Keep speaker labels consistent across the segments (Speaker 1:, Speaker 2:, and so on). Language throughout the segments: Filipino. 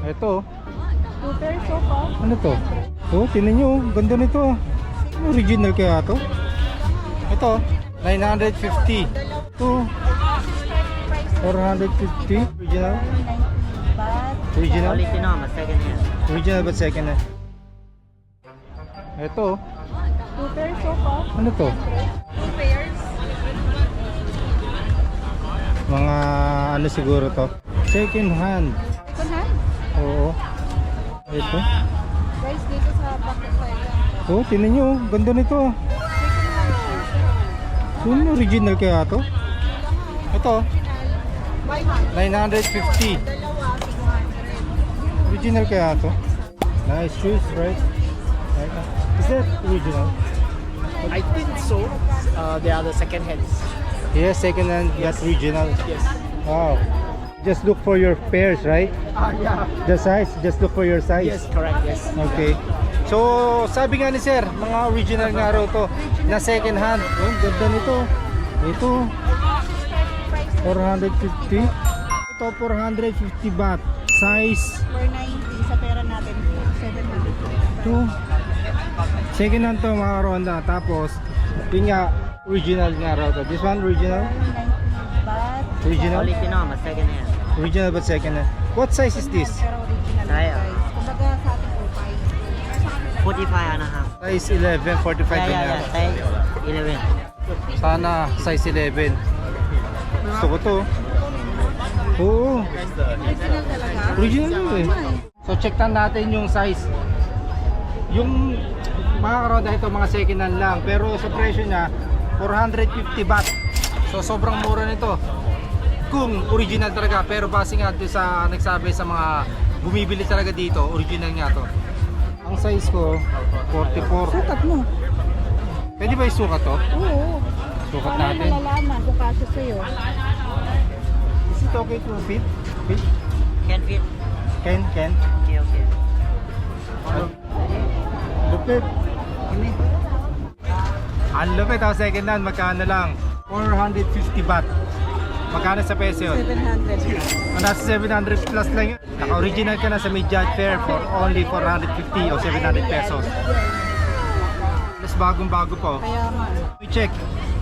Speaker 1: Ito.
Speaker 2: 2 pairs po.
Speaker 1: Ano to? Oh, tingnan nyo. Ganda nito. Original kaya to? Ito. 950. Ito. 450. Original. Original.
Speaker 3: Quality naman, second hand.
Speaker 1: Original but second hand. Ito.
Speaker 2: 2 pairs po.
Speaker 1: Ano to?
Speaker 2: 2 pairs.
Speaker 1: Mga ano siguro to? Second hand.
Speaker 2: Second hand.
Speaker 1: Oo. Ito.
Speaker 2: Guys, dito sa Bakit Tayo.
Speaker 1: Oh, tingnan nyo. Ganda nito. Yung original kaya to? Ito. 950. Original kaya to? Nice shoes, right? Is that original?
Speaker 3: I think so. They are the second hands.
Speaker 1: Yes, second hand, that's original.
Speaker 3: Yes.
Speaker 1: Wow. Just look for your pairs, right?
Speaker 3: Yeah.
Speaker 1: The size, just look for your size.
Speaker 3: Yes, correct. Yes.
Speaker 1: Okay. So, sabi nga ni sir, mga original nga raw to na second hand. Oh, ganda nito. Ito. 450. Ito 450 baht. Size
Speaker 2: 490 sa pera natin. 700.
Speaker 1: 2. Second hand to mga ronda. Tapos, yun nga, original nga raw to. This one original?
Speaker 2: 490 baht.
Speaker 1: Original?
Speaker 3: Quality naman, second hand.
Speaker 1: Original but second hand. What size is this?
Speaker 2: Pero original
Speaker 3: Kaya.
Speaker 2: guys. Kumbaga sa ating upay.
Speaker 3: 45 and a half.
Speaker 1: Size 11, 45
Speaker 3: Yeah,
Speaker 1: yun
Speaker 3: yeah,
Speaker 1: nga.
Speaker 3: yeah. Size 11.
Speaker 1: Sana size 11. Gusto ko to. Oo.
Speaker 2: Original talaga.
Speaker 1: Original yun eh. So check natin yung size. Yung mga karoda ito mga second hand lang. Pero sa presyo niya 450 baht. So sobrang mura nito. Kung original talaga. Pero base nga doon sa nagsabi sa mga bumibili talaga dito, original nga to. Ang size ko 44.
Speaker 2: Sukat mo.
Speaker 1: Pwede ba isukat to?
Speaker 2: Oo.
Speaker 1: Sukat
Speaker 2: Para
Speaker 1: natin.
Speaker 2: malalaman kung kasya sa'yo.
Speaker 1: Is it okay to fit? Fit?
Speaker 3: Can fit.
Speaker 1: Can?
Speaker 3: Okay, okay.
Speaker 1: Lupit. Ang lupit ha, second hand, magkano lang? 450 baht. Magkano sa peso yun?
Speaker 2: 700.
Speaker 1: Nasa 700 plus lang yun. Naka-original ka na sa Midyat Fair for only 450 o 700 pesos. Mas bagong-bago po.
Speaker 2: Kaya nga.
Speaker 1: I-check.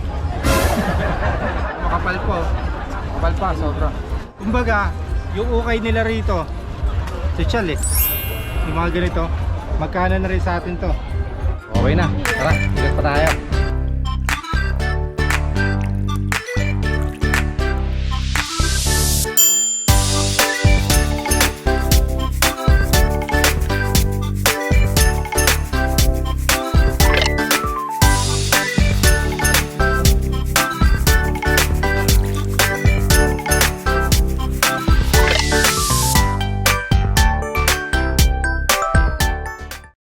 Speaker 1: Makapal po. Makapal pa, sobra. Kumbaga, yung ukay nila rito, social eh. Yung mga ganito, magkano na rin sa atin to. Okay na, tara, ikat pa tayo.